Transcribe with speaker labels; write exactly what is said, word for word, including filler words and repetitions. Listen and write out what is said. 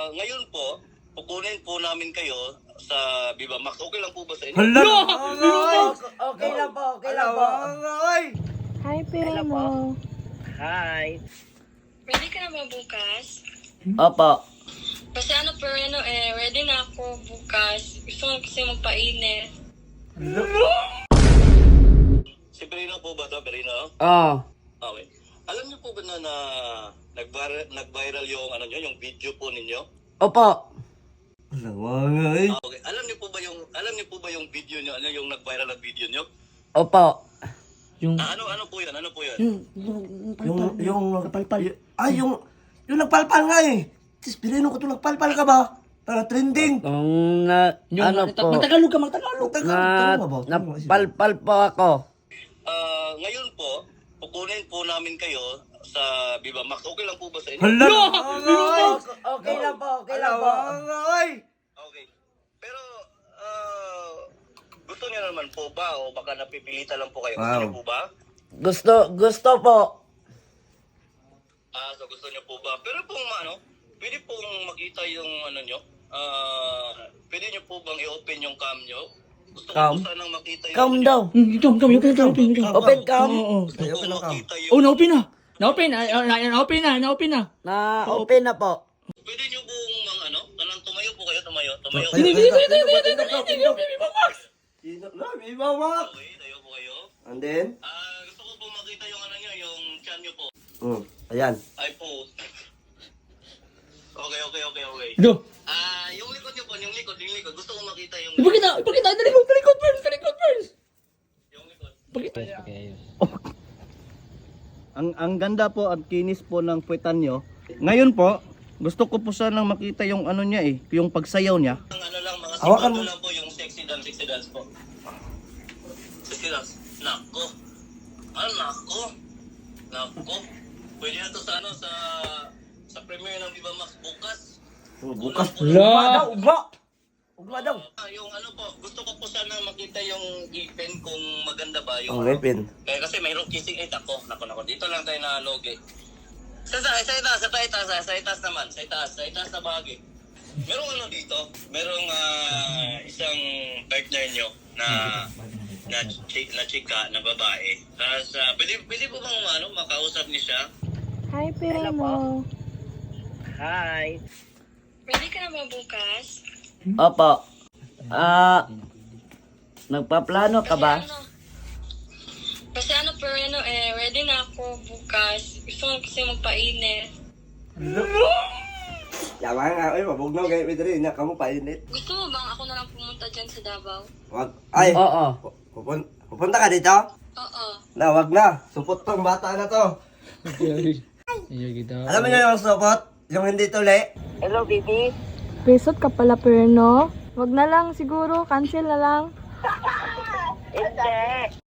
Speaker 1: ngayon po, kukunin po namin kayo sa Viva Max. Okay lang po ba sa inyo?
Speaker 2: Hala!
Speaker 3: Okay lang po, okay lang po.
Speaker 4: Hi, Pireno.
Speaker 3: Hi.
Speaker 4: Ready ka na ba bukas?
Speaker 3: Opo.
Speaker 4: Kasi ano, Pireno, eh, ready na ako bukas. Gusto ko kasi magpainit.
Speaker 1: Si Perino po ba ito, Perino?
Speaker 3: Oh.
Speaker 1: Okay. Alam niyo po ba na, na nag-viral, nag-viral yung, ano niyo, yung video po ninyo?
Speaker 3: Opo.
Speaker 2: Lawangay.
Speaker 1: Ah, okay. Alam niyo po ba yung, alam niyo po ba yung video niyo, ano yung nag-viral na video niyo?
Speaker 3: Opo.
Speaker 2: Yung,
Speaker 1: Ah, ano, ano po yan? Ano po yan?
Speaker 2: yung, yung, yung, nagpalpal. Ay, yung, yung nagpalpal nga eh. Tis, Pireno ko ito nagpalpal ka ba? Para trending.
Speaker 3: Kung na, ano po,
Speaker 2: Magtagalog ka, magtagalog.
Speaker 3: na, napalpal po ako.
Speaker 1: Ah, ngayon po, kukunin po namin kayo sa Viva Max. Okay lang po ba sa inyo?
Speaker 2: Hala!
Speaker 3: Okay lang po, okay lang po.
Speaker 1: Okay. Pero, ah, gusto niyo naman po ba o baka napipilitan lang po kayo? Gusto
Speaker 2: Wow.
Speaker 1: niyo po ba?
Speaker 3: Gusto, gusto po.
Speaker 1: Ah, so gusto niyo po ba? Pero pong ano, pwede pong makita yung ano niyo. Ah, pwede niyo po bang i-open yung cam niyo? Gusto ko
Speaker 3: Cam?
Speaker 1: po sanang makita yung
Speaker 3: Cam
Speaker 1: ano
Speaker 3: daw.
Speaker 5: Ito, ito, open, open, open, open.
Speaker 3: Open cam.
Speaker 1: Gusto ko makita yung...
Speaker 5: Oh, na-open na. Na-open, na, na- na-open na, na-open na.
Speaker 3: Na open na po.
Speaker 1: Pwede niyo pong mga ano, kanang tumayo po kayo, tumayo, tumayo.
Speaker 2: Hindi,
Speaker 5: Hindi, hindi, hindi, hindi, hindi, hindi, hindi, hindi,
Speaker 2: Viva Max.
Speaker 1: Okay, tayo po kayo.
Speaker 2: And then?
Speaker 1: Ah, gusto ko po makita yung ano niyo, yung chan niyo po.
Speaker 2: Hmm. Ayan.
Speaker 1: Ay po. Okay, okay, okay, okay.
Speaker 5: Go.
Speaker 1: Ah, yung likod niyo po, yung likod, yung likod. Gusto ko makita yung
Speaker 5: Ipakita, ipakita, talikod, talikod first, talikod first.
Speaker 1: yung likod.
Speaker 5: Ipakita.
Speaker 6: Ang ang ganda po at kinis po ng puwetan nyo. Ngayon po, gusto ko po sanang makita yung ano niya eh, yung pagsayaw niya.
Speaker 1: Ang ano lang, mga
Speaker 2: Hawakan
Speaker 1: segundo
Speaker 2: mo.
Speaker 1: lang po yung sexy dance, sexy dance po. Sexy dance. Nako. Ah, nako. Nako. Pwede na to sa ano, sa sa premiere ng Viva Max bukas.
Speaker 2: Oh, bukas.
Speaker 5: La.
Speaker 2: Ugma. Ugma daw.
Speaker 1: Ah, yung ano po, gusto ko po sana makita yung ipin kung maganda ba yung...
Speaker 2: Oh, ngipin.
Speaker 1: Kaya kasi mayroong kissing eight ako. Nako, nako. Dito lang tayo na logi. Sa, sa, sa itaas, sa itaas, sa, sa itaas naman. Sa itaas, sa itaas na bahagi. Merong ano dito, merong ah, isang partner nyo na na, chi, na chika, na babae. Tapos, ah, pwede, pwede po bang ano, makausap niyo siya?
Speaker 4: Hi, Pireno.
Speaker 3: Hi.
Speaker 4: Ready ka na ba bukas?
Speaker 3: Opo. Ah, nagpaplano ka ba?
Speaker 4: Kasi ano, kasi ano, Pireno, eh, ready na ako bukas. Gusto ko kasi magpainit.
Speaker 2: Yawa nga, ay, mabugnaw kayo, Pedro. Inak ka mo, painit.
Speaker 4: Gusto mo bang ako na lang pumunta dyan sa Davao?
Speaker 2: Wag. Ay,
Speaker 3: Oo.
Speaker 2: pupun pupunta ka dito?
Speaker 4: Oo.
Speaker 2: Na, wag na. Supot tong bata na to.
Speaker 5: Iya kita.
Speaker 2: Alam mo nyo yung supot? Yung hindi tuli?
Speaker 3: Hello, baby.
Speaker 4: Besot ka pala, Pireno. Wag na lang siguro, cancel na lang.
Speaker 3: Hindi.